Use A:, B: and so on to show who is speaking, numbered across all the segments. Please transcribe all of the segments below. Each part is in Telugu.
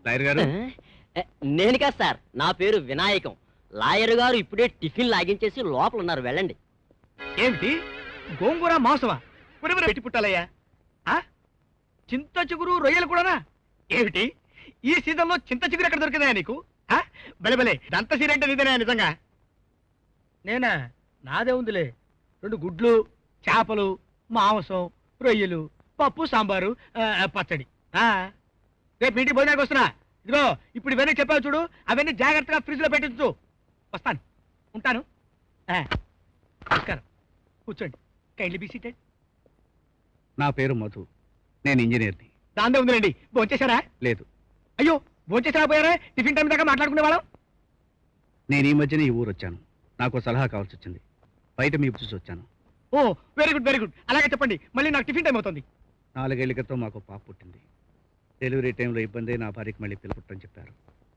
A: లాయర్ గారు
B: నేను కాదు సార్, నా పేరు వినాయకం. లాయర్ గారు ఇప్పుడే టిఫిన్ లాగించేసి లోపల ఉన్నారు, వెళ్ళండి.
A: ఏమిటి గోంగూర మాంసమా? పురిపుర పెట్టి పుట్టాలయ్యా. చింత చిగురు రొయ్యలు కూడానా? ఏమిటి ఈ సీజన్లో చింత చిగురు ఎక్కడ దొరికిందా నీకు? బలే బలే దంత సీరంటే నీదేనా నిజంగా? నేనా? నాదే ఉందిలే. 2 గుడ్లు, చేపలు, మాంసం, రొయ్యలు, పప్పు, సాంబారు, పచ్చడి. రేపు ఇంటికి భోజనానికి వస్తున్నా. ఇదిగో ఇప్పుడు ఇవన్నీ చెప్పావు చూడు, అవన్నీ జాగ్రత్తగా ఫ్రిడ్జ్ లో పెట్టించు. వస్తాను, ఉంటాను. నమస్కారం, కూర్చోండి. Kindly be seated.
C: నా పేరు మధు, నేను ఇంజనీర్ని.
A: దాందే ఉందిలేండి. భోంచేశారా?
C: లేదు.
A: అయ్యో, భోంచేసారా? పోయారా? టిఫిన్ టైం దాకా మాట్లాడుకునే వాళ్ళం.
C: నేను ఈ మధ్యన ఈ ఊరు వచ్చాను. నాకు సలహా కావాల్సి వచ్చింది. బయట మీ చూసి వచ్చాను.
A: Oh very good very good. అలాగే చెప్పండి. మళ్ళీ నాకు టిఫిన్ టైం అవుతుంది.
C: 4 ఏళ్ల క్రితం మాకు పాప పుట్టింది. డెలివరీ టైంలో ఇబ్బంది, నా భార్యకి మళ్ళీ పిల్ల పుట్టని చెప్పారు.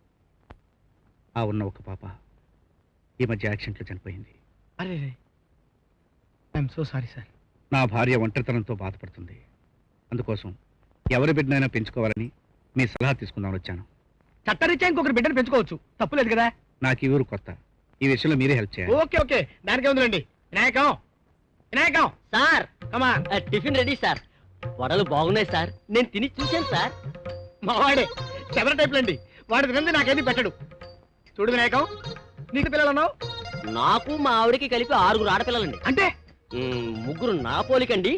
C: ఆ ఉన్న ఒక పాప ఈ మధ్య యాక్సిడెంట్లో చనిపోయింది.
A: అరే, ఐఎమ్ సో సారీ సార్.
C: నా భార్య ఒంటరితనంతో బాధపడుతుంది. అందుకోసం ఎవరి బిడ్డనైనా పెంచుకోవాలని మీ సలహా తీసుకుందామని వచ్చాను.
A: చట్టరీత్యా ఇంకొకరు బిడ్డను పెంచుకోవచ్చు, తప్పులేదు కదా.
C: నాకు ఈ ఊరు కొత్త. ఈ విషయంలో మీరే హెల్ప్ చేయాలి.
A: ఓకే ఓకే, దానికే ఉందిలేండి. వినాయకం వినాయకం
B: సార్,
A: కమా.
B: Tiffin ready sir. వడలు బాగున్నాయి సార్, నేను తిని చూశాను సార్.
A: మా వాడే చెవర టైప్లు అండి. వాడి తినంది నాకేది పెట్టడు. చూడు వినాయకం, నీకు పిల్లలు అన్నావు?
B: నాకు మా ఆవిడకి కలిపి 6 ఆడపిల్లలండి.
A: అంటే
B: 3 నా పోలికండి,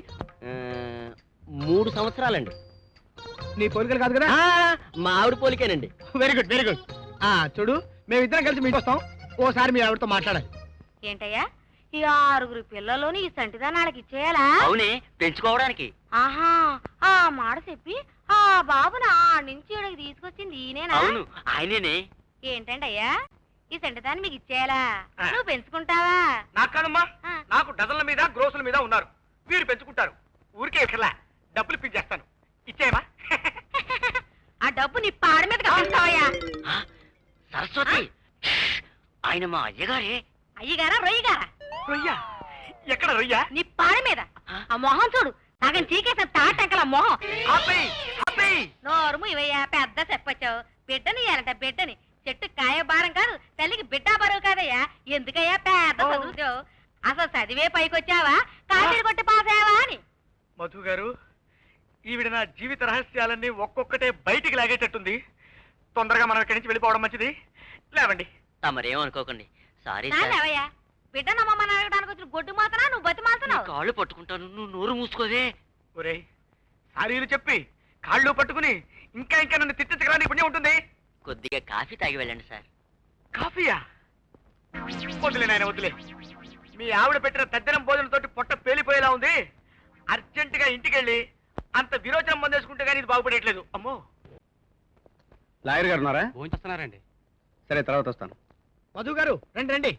B: 3 సంవత్సరాలండి.
A: నీ పోలికలు కాదు కదా?
B: మా ఆవిడ పోలికేనండి.
A: Very good very good. చూడు, మేమిద్దరం కలిసి మీకు వస్తాం. ఓసారి మీ ఆవిడతో మాట్లాడాలి.
D: ఏంటయ్యా, ఈ 6 పిల్లలోని ఈ సంటిదానాళ్ళకి ఇచ్చేయాలా?
B: అవునే, పెంచుకోవడానికి.
D: ఆహా, ఆ మాట చెప్పి ఆ బాబుని నుంచి ఇక్కడికి తీసుకొచ్చింది ఈయనేనా?
B: అవును, ఆయనేనే.
D: ఏంటండి అయ్యా, ఈ సంటిదాన్ని మీకు ఇచ్చేయాలా? నువ్వు పెంచుకుంటావా?
A: నాకు కాదమ్మా, నాకు డజన్ల మీద గ్రోసుల మీద ఉన్నారు. వీరు పెంచుకుంటారు. ఊరికే ఇట్లా డబ్బులు ఇప్పించేస్తాను. ఇచ్చేయమా?
D: ఆ డబ్బు నీ పాడ మీద కప్పిస్తావయ్యా.
B: సరస్వతి, ఆయన మా అయ్యగారే.
D: అయ్యగారా రొయ్యగారా?
A: రొయ్య ఎక్కడ? రొయ్య
D: నీ పాడ మీద. ఆ మొహం చూడు, సగం చీకేసిన తాటంకల మొహం. నోరుము ఇవయ్యా, పెద్ద చెప్పొచ్చావు. బిడ్డని ఇయ్యాలంట, బిడ్డని. చెట్టు కాయ భారం కాదు, తల్లికి బిడ్డ బరువు కాదయ్యా. ఎందుకయ్యా పెద్ద చదువుతావు? అసలు చదివే పైకొచ్చావా, కాపీలు కొట్టి పాసావా అని?
A: మధు గారు, ఈవిడ నా జీవిత రహస్యాలన్నీ ఒక్కొక్కటే బయటికి లాగేటట్టుంది. తొందరగా మనం ఇక్కడి నుంచి వెళ్ళిపోవడం మంచిది. లేవండి.
B: తమరేమనుకోకండి. సారీ
D: లేవయ్యా, బిడ్డ నమ్మని అడగడానికి వచ్చిన గొడ్డు మాత్రం నువ్వు బతి మాత్రం.
B: కాళ్ళు పట్టుకుంటాను, నువ్వు నోరు మూసుకోవే.
A: ఒరే, సారీలు చెప్పి కాళ్ళు పట్టుకుని ఇంకా ఇంకా నన్ను తిట్టించగల నీ పుణ్యం ఉంటుంది.
B: కొద్దిగా కాఫీ తాగి వెళ్ళండి సార్.
A: కాఫీయా? వదిలే నాయన, వదిలే. మీ ఆవిడ పెట్టిన తద్దినం భోజనంతో పొట్ట పేలిపోయేలా ఉంది. అర్జెంటుగా ఇంటికి వెళ్ళి అంత విరోచనం మందేసుకుంటే కానీ ఇది బాగుపడేట్లేదు. అమ్మో.
C: లాయర్ గారు ఉన్నారా?
B: భోంచేస్తున్నారండి.
C: సరే, తర్వాత వస్తాను.
A: మధు గారు రండి రండి.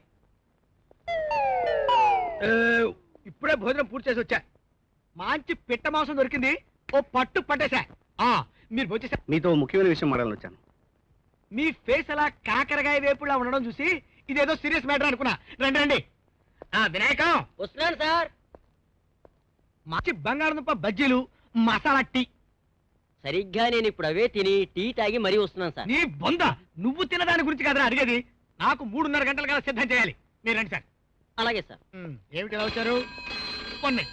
A: ఇప్పుడే భోజనం పూర్తి చేసి వచ్చా. మంచి పిట్ట మాంసం దొరికింది. ఓ పట్టు పట్టేశా. మీరు భోంచేసా?
C: మీతో ముఖ్యమైన విషయం మాట్లాడాలని వచ్చాను.
A: మీ ఫేస్ అలా కాకరకాయ వేపులా ఉండడం చూసి ఇదేదో సీరియస్ మ్యాటర్ అనుకున్నా. రండి రండి. వినాయకం
B: వస్తున్నాను సార్.
A: మంచి బంగాళదుంప బజ్జీలు, మసాలా టీ.
B: సరిగ్గా నేను ఇప్పుడు అవే తిని టీ తాగి మరీ వస్తున్నాను సార్.
A: నీ బొంద, నువ్వు తినదాని గురించి కదరా అడిగేది. నాకు 3:30 గంటల కల్లా సిద్ధం చేయాలి. మీరు రండి సార్.
B: అలాగే సార్.
A: ఏమిటి ఎలా వచ్చారు? పొన్నే.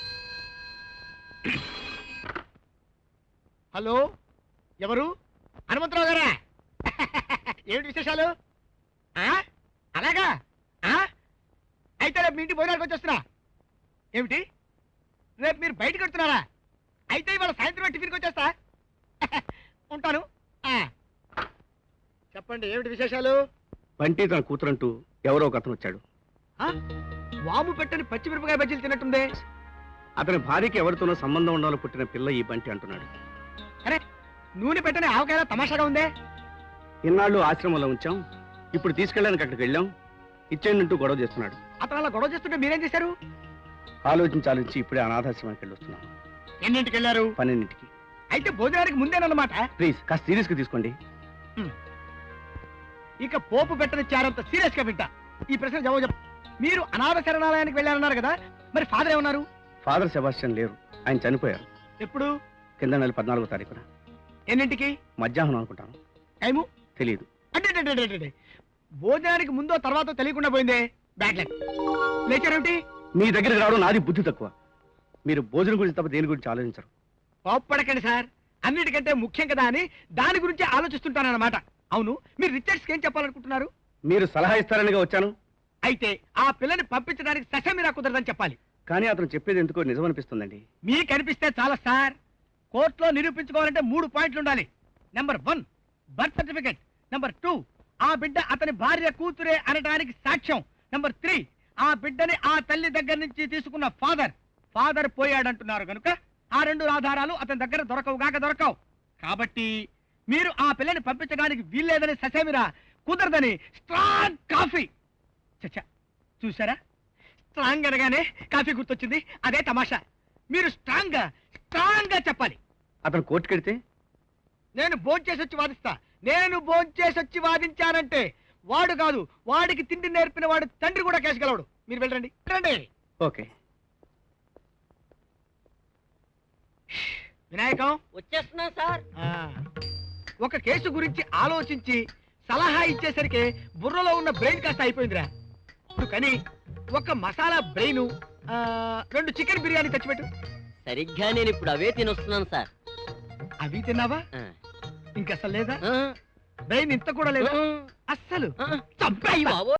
A: హలో, ఎవరు? హనుమంతరావు గారా? ఏమిటి విశేషాలు? అలాగా? అయితే రేపు మీ ఇంటి భోజనానికి వచ్చేస్తున్నా. ఏమిటి, రేపు మీరు బయటకు వెళ్తున్నారా? అయితే ఇవాళ సాయంత్రం టిఫిన్కి వచ్చేస్తా. ఉంటాను. చెప్పండి, ఏమిటి విశేషాలు?
C: బంటి తన కూతురంటూ ఎవరో ఒక అతను వచ్చాడు.
A: వాము పెట్టని పచ్చిమిరపకాయ బజ్జీలు తిన్నట్టుందే.
C: అతని భార్యకి ఎవరితోనో సంబంధం ఉండాలో పుట్టిన పిల్ల ఈ బంటి అంటున్నాడు.
A: అరే, నూనె పెట్టని ఆవకాయ తమాషాగా ఉందే.
C: ఇన్నాళ్ళు ఆశ్రమంలో ఉంచాం, ఇప్పుడు తీసుకెళ్ళడానికి అక్కడికి వెళ్ళాం, ఇచ్చేయండి గొడవ చేస్తున్నాడు.
A: అతను అలా గొడవ చేస్తుంటే మీరేం చేశారు?
C: ఆలోచించి ఇప్పుడే అనాథాశ్రమానికి వెళ్ళొస్తున్నాను.
A: ఎన్నింటికి వెళ్ళారు?
C: 12ంటికి.
A: అయితే భోజనానికి ముందేనన్నమాట.
C: ప్లీజ్ కాస్త సీరియస్ గా తీసుకోండి.
A: ఇక పోపు పెట్టని చారంత సీరియస్ గా వింటా. ఈ ప్రశ్న జవాబు చెప్పు. మీరు అనాథ శరణాలయానికి వెళ్ళారన్నారు కదా, మరి ఫాదర్ ఏమన్నారు?
C: ఫాదర్ సెబాస్టియన్ లేరు, ఆయన చనిపోయారు.
A: ఎప్పుడు?
C: కింద నెల 14వ తారీఖున.
A: ఎన్నింటికి?
C: మధ్యాహ్నం అనుకుంటాను.
A: టైము
C: తెలియదు.
A: అంటే భోజనానికి ముందో తర్వాతో తెలియకుండా పోయిందే. Bad luck. లేచారేమిటి?
C: మీ దగ్గరికి రావడం నాది బుద్ధి తక్కువ. మీరు భోజనం గురించి తప్ప దేని గురించి ఆలోచించరు.
A: కోప్పడకండి సార్, అన్నిటికంటే ముఖ్యం కదా అని దాని గురించి ఆలోచిస్తుంటానన్నమాట. అవును, మీరు రిచర్డ్స్కి ఏం చెప్పాలనుకుంటున్నారు?
C: మీరు సలహా ఇస్తారనిగా వచ్చాను.
A: అయితే ఆ పిల్లని పంపించడానికి సశమిరా కుదరదని చెప్పాలి.
C: కానీ అతను చెప్పేది ఎందుకో నిజం అనిపిస్తుందండి.
A: మీకు అనిపిస్తే చాలా సార్. కోర్టులో నిరూపించుకోవాలంటే 3 పాయింట్లు ఉండాలి. Number 1 birth certificate. నెంబర్ 2 ఆ బిడ్డ అతని భార్య కూతురే అనడానికి సాక్ష్యం. నెంబర్ 3 ఆ బిడ్డని ఆ తల్లి దగ్గర నుంచి తీసుకున్న ఫాదర్ పోయాడంటున్నారు కనుక ఆ 2 ఆధారాలు అతని దగ్గర దొరకవు. కాబట్టి మీరు ఆ పిల్లని పంపించడానికి వీల్లేదని ససేమిరా కుదరదని స్ట్రాంగ్ కాఫీ. చచ్చా, చూసారా? స్ట్రాంగ్ అనగానే కాఫీ గుర్తొచ్చింది. అదే తమాషా. మీరు స్ట్రాంగ్ గా చెప్పాలి.
C: అతను కోర్టుకెడితే
A: నేను భోంచేసి వచ్చి వాదించానంటే వాడు కాదు, వాడికి తిండి నేర్పిన వాడు తండ్రి కూడా కేసు గెలవడు. మీరు వెళ్ళండి.
C: ఓకే.
A: వినాయకం,
B: వచ్చేస్తున్నాను సార్.
A: ఒక కేసు గురించి ఆలోచించి సలహా ఇచ్చేసరికి బుర్రలో ఉన్న బ్రెయిన్ కాస్త అయిపోయిందిరా. ఇప్పుడు కానీ ఒక మసాలా బ్రెయిన్, 2 చికెన్ బిర్యానీ తెచ్చిపెట్టు.
B: సరిగ్గా నేను ఇప్పుడు అవే తినొస్తున్నాను సార్.
A: అవి తిన్నావా?
B: ఆ.
A: ఇంకసలు లేదా?
B: ఆ.
A: బ్రెయిన్ ఇంత కూడా లేదా?
B: ఆ.
A: అస్సలు
B: ఆ.
A: చంపేయ్యవా?
B: బావోయ్.